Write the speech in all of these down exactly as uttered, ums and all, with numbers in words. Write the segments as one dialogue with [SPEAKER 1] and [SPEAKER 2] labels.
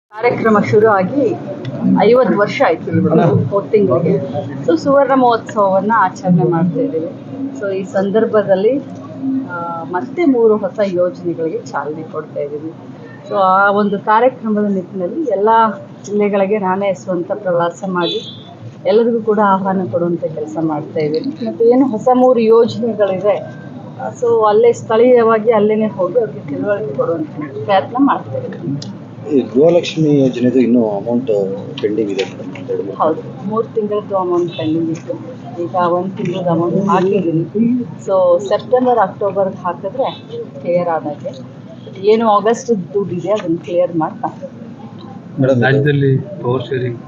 [SPEAKER 1] ಕಾರ್ಯಕ್ರಮ ಶುರು ಆಗಿ ಐವತ್ತು ವರ್ಷ ಆಯ್ತು ಮೂರು ತಿಂಗಳಿಗೆ. ಸೊ ಸುವರ್ಣ ಮಹೋತ್ಸವವನ್ನು ಆಚರಣೆ ಮಾಡ್ತಾ ಇದ್ದೀವಿ. ಸೊ ಈ ಸಂದರ್ಭದಲ್ಲಿ ಆ, ಮತ್ತೆ ಮೂರು ಹೊಸ ಯೋಜನೆಗಳಿಗೆ ಚಾಲನೆ ಕೊಡ್ತಾ ಇದ್ದೀವಿ. ಸೊ ಆ ಒಂದು ಕಾರ್ಯಕ್ರಮದ ನಿಟ್ಟಿನಲ್ಲಿ ಎಲ್ಲ ಜಿಲ್ಲೆಗಳಿಗೆ ನಾನೇ ಸ್ವಂತ ಪ್ರವಾಸ ಮಾಡಿ ಎಲ್ಲರಿಗೂ ಕೂಡ ಆಹ್ವಾನ ಕೊಡುವಂಥ ಕೆಲಸ ಮಾಡ್ತಾ ಇದ್ದೀನಿ. ಮತ್ತು ಏನು ಹೊಸ ಮೂರು ಯೋಜನೆಗಳಿದೆ, ಸೊ ಅಲ್ಲೇ ಸ್ಥಳೀಯವಾಗಿ ಅಲ್ಲೇ ಹೋಗಿ ಅವ್ರಿಗೆ ತಿಳುವಳಿಕೆ ಕೊಡುವಂಥ ಪ್ರಯತ್ನ ಮಾಡ್ತಾ ಇದ್ದೀನಿ.
[SPEAKER 2] ಈ ಗೃಹಲಕ್ಷ್ಮಿ ಯೋಜನೆದು ಇನ್ನೂ ಅಮೌಂಟ್ ಪೆಂಡಿಂಗ್ ಇದೆ ಮೇಡಮ್.
[SPEAKER 1] ಹೌದು, ಮೂರು ತಿಂಗಳದ್ದು ಅಮೌಂಟ್ ಪೆಂಡಿಂಗ್ ಇತ್ತು. ಈಗ ಒಂದು ತಿಂಗಳದ್ದು ಅಮೌಂಟ್ ಹಾಕಿದ್ದೀನಿ. ಸೊ ಸೆಪ್ಟೆಂಬರ್ ಅಕ್ಟೋಬರ್ಗೆ ಹಾಕಿದ್ರೆ ಕ್ಲಿಯರ್ ಆದಾಗೆ, ಏನು ಆಗಸ್ಟ್ ದುಡ್ಡು ಇದೆ ಅದನ್ನು ಕ್ಲಿಯರ್ ಮಾಡ್ತಾ
[SPEAKER 2] ಮೇಡಮ್
[SPEAKER 3] ರಾಜ್ಯದಲ್ಲಿ ಪವರ್ ಶೇರಿಂಗ್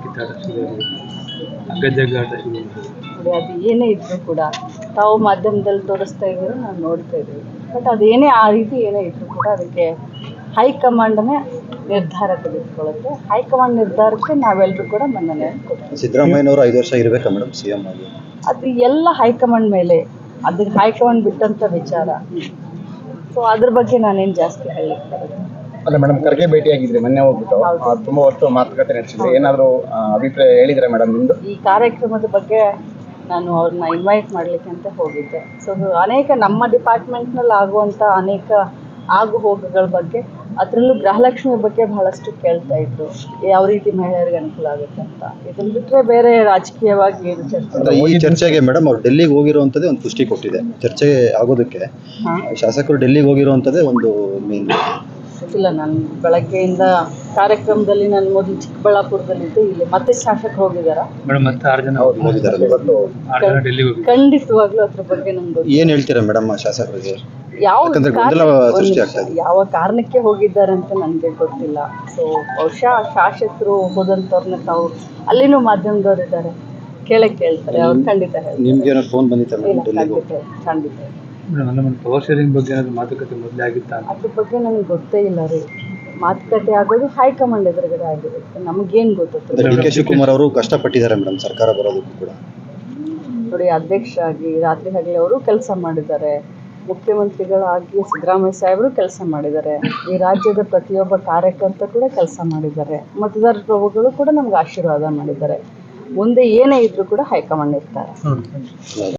[SPEAKER 3] ಅಗ್ಗಜಗ್ಗಾಟ
[SPEAKER 1] ನೋಡಿ. ಅದು ಏನೇ ಇದ್ರೂ ಕೂಡ ತಾವು ಮಾಧ್ಯಮದಲ್ಲಿ ತೋರಿಸ್ತಾ ಇದ್ದೀರೋ ನಾವು ನೋಡ್ತಾ ಇದ್ದೀವಿ. ಬಟ್ ಅದೇನೇ ಆ ರೀತಿ ಏನೇ ಇದ್ರೂ ಕೂಡ ಅದಕ್ಕೆ ಹೈಕಮಾಂಡನೇ ನಿರ್ಧಾರ ತೆಗೆದುಕೊಳ್ಳುತ್ತೆ. ಹೈಕಮಾಂಡ್ ನಿರ್ಧಾರಕ್ಕೆ ನಾವೆಲ್ಲರೂ ಕೂಡ ಮನ್ನಣೆ ಕೊಡ್ತೀವಿ.
[SPEAKER 2] ಸಿದ್ದರಾಮಯ್ಯನವರು ಐದು ವರ್ಷ ಇರಬೇಕಾ ಮೇಡಮ್ ಸಿ ಎಂ ಆಗಿ?
[SPEAKER 1] ಅದು ಎಲ್ಲ ಹೈಕಮಾಂಡ್ ಮೇಲೆ, ಅದಕ್ಕೆ ಹೈಕಮಾಂಡ್ ಬಿಟ್ಟಂಥ ವಿಚಾರ. ಸೊ ಅದ್ರ ಬಗ್ಗೆ ನಾನೇನು ಜಾಸ್ತಿ ಹೇಳಲಿಕ್ಕೆ
[SPEAKER 4] ಅಲ್ಲ ಮೇಡಮ್, ಖರ್ಗೆ ಭೇಟಿಯಾಗಿದ್ರೆ ಮೊನ್ನೆ ಹೋಗ್ಬಿಟ್ಟು ಆ, ತುಂಬಾ ಹೊತ್ತು ಮಾತುಕತೆ ನಡೆಸಿದ್ರೆ ಏನಾದರೂ ಅಭಿಪ್ರಾಯ ಹೇಳಿದ್ರೆ ಮೇಡಮ್ ನಿಮ್ದು?
[SPEAKER 1] ಈ ಕಾರ್ಯಕ್ರಮದ ಬಗ್ಗೆ ನಾನು ಅವ್ರನ್ನ ಇನ್ವೈಟ್ ಮಾಡಲಿಕ್ಕೆ ಅಂತ ಹೋಗಿದ್ದೆ. ಸೊ ಅನೇಕ ನಮ್ಮ ಡಿಪಾರ್ಟ್ಮೆಂಟ್ನಲ್ಲಿ ಆಗುವಂಥ ಅನೇಕ ಆಗು ಹೋಗುಗಳ ಬಗ್ಗೆ, ಅದರಲ್ಲೂ ಗೃಹಲಕ್ಷ್ಮಿ ಬಗ್ಗೆ ಬಹಳಷ್ಟು ಕೇಳ್ತಾ ಇದ್ರು, ಯಾವ ರೀತಿ ಮಹಿಳೆಯರಿಗೆ ಅನುಕೂಲ ಆಗುತ್ತೆ ಅಂತ. ಇದನ್ನು ಬಿಟ್ಟರೆ ಬೇರೆ ರಾಜಕೀಯವಾಗಿ ಏನು ಚರ್ಚೆ
[SPEAKER 2] ಅಂದ್ರೆ ಈ ಚರ್ಚೆಗೆ ಮೇಡಮ್ ಅವ್ರು ಡೆಲ್ಲಿಗೆ ಹೋಗಿರುವಂಥದ್ದೇ ಒಂದು ಪುಷ್ಟಿ ಕೊಟ್ಟಿದೆ. ಚರ್ಚೆ ಆಗೋದಕ್ಕೆ ಶಾಸಕರು ಡೆಲ್ಲಿಗೆ ಹೋಗಿರುವಂಥದ್ದೇ ಒಂದು ಮೇನ್.
[SPEAKER 1] ಇಲ್ಲ, ನಾನು ಬೆಳಗ್ಗೆಯಿಂದ ಕಾರ್ಯಕ್ರಮದಲ್ಲಿ ನಾನು ಮೊದಲು ಚಿಕ್ಕಬಳ್ಳಾಪುರದಲ್ಲಿದ್ದೆ, ಇಲ್ಲಿ ಮತ್ತೆ ಶಾಸಕರು ಹೋಗಿದ್ದಾರಾ?
[SPEAKER 3] ಮೇಡಮ್ ಮತ್ತೆ ಆರು ಜನ
[SPEAKER 2] ಹೋಗಿದ್ದಾರೆ ಇವತ್ತು.
[SPEAKER 3] ಆರು ಜನ ಡೆಲ್ಲಿಗೆ ಹೋಗಿ
[SPEAKER 1] ಖಂಡಿತವಾಗ್ಲೂ ಅದ್ರ ಬಗ್ಗೆ ನಂಗೆ
[SPEAKER 2] ಏನ್ ಹೇಳ್ತೀರಾ ಮೇಡಮ್ ಶಾಸಕರಿಗೆ?
[SPEAKER 1] ಯಾವ
[SPEAKER 2] ಯಾಕಂದ್ರೆ ಗೊಂದಲ ಸೃಷ್ಟಿ ಆಗ್ತಾ ಇದೆ.
[SPEAKER 1] ಯಾವ ಕಾರಣಕ್ಕೆ ಹೋಗಿದ್ದಾರೆ ಅಂತ ನನಗೆ ಗೊತ್ತಿಲ್ಲ. ಸೊ ಬಹುಶಃ ಶಾಸಕರು ಹೋದಂಥವ್ರನ್ನ ತಾವು ಅಲ್ಲಿನೂ ಮಾಧ್ಯಮದವ್ರು ಇದ್ದಾರೆ, ಕೇಳಕ್ಕೆ ಕೇಳ್ತಾರೆ, ಅವ್ರು ಖಂಡಿತ ಹೇಳ್ತಾರೆ.
[SPEAKER 2] ನಿಮ್ಗೆ ಏನೋ ಫೋನ್ ಬಂದಿತ್ತ
[SPEAKER 1] ಇಲ್ಲ,
[SPEAKER 2] ಮೇಡಮ್ ಡೆಲ್ಲಿಗೆ?
[SPEAKER 1] ಖಂಡಿತ ಖಂಡಿತ
[SPEAKER 3] ಮೇಡಮ್ ನಮ್ಮ ಪವರ್ ಶೇರಿಂಗ್ ಬಗ್ಗೆ ಏನಾದ್ರು ಮಾತುಕತೆ ಮೊದಲೇ ಆಗಿತ್ತಾ?
[SPEAKER 1] ಅದ್ರ ಬಗ್ಗೆ ನನಗೆ ಗೊತ್ತೇ ಇಲ್ಲ ರೀ. ಮಾತುಕತೆ ಆಗೋದು ಹೈಕಮಾಂಡ್ ಎದುರುಗಡೆ ಆಗಿರುತ್ತೆ, ನಮಗೇನು ಗೊತ್ತಿತ್ತು?
[SPEAKER 2] ಡಿ ಕೆ ಶಿವಕುಮಾರ್ ಅವರು ಕಷ್ಟಪಟ್ಟಿದ್ದಾರೆ ಮೇಡಮ್ ಸರ್ಕಾರ ಬರೋದಕ್ಕೂ ಕೂಡ.
[SPEAKER 1] ನೋಡಿ, ಅಧ್ಯಕ್ಷ ಆಗಿ ರಾತ್ರಿ ಹಗಲಿ ಅವರು ಕೆಲಸ ಮಾಡಿದ್ದಾರೆ, ಮುಖ್ಯಮಂತ್ರಿಗಳಾಗಿ ಸಿದ್ದರಾಮಯ್ಯ ಸಾಹೇಬರು ಕೆಲಸ ಮಾಡಿದ್ದಾರೆ, ಈ ರಾಜ್ಯದ ಪ್ರತಿಯೊಬ್ಬ ಕಾರ್ಯಕರ್ತ ಕೂಡ ಕೆಲಸ ಮಾಡಿದ್ದಾರೆ, ಮತದಾರ ಪ್ರಭುಗಳು ಕೂಡ ನಮ್ಗೆ ಆಶೀರ್ವಾದ ಮಾಡಿದ್ದಾರೆ. ಮುಂದೆ ಏನೇ ಇದ್ರೂ ಕೂಡ ಹೈಕಮಾಂಡ್ ಇರ್ತಾರೆ.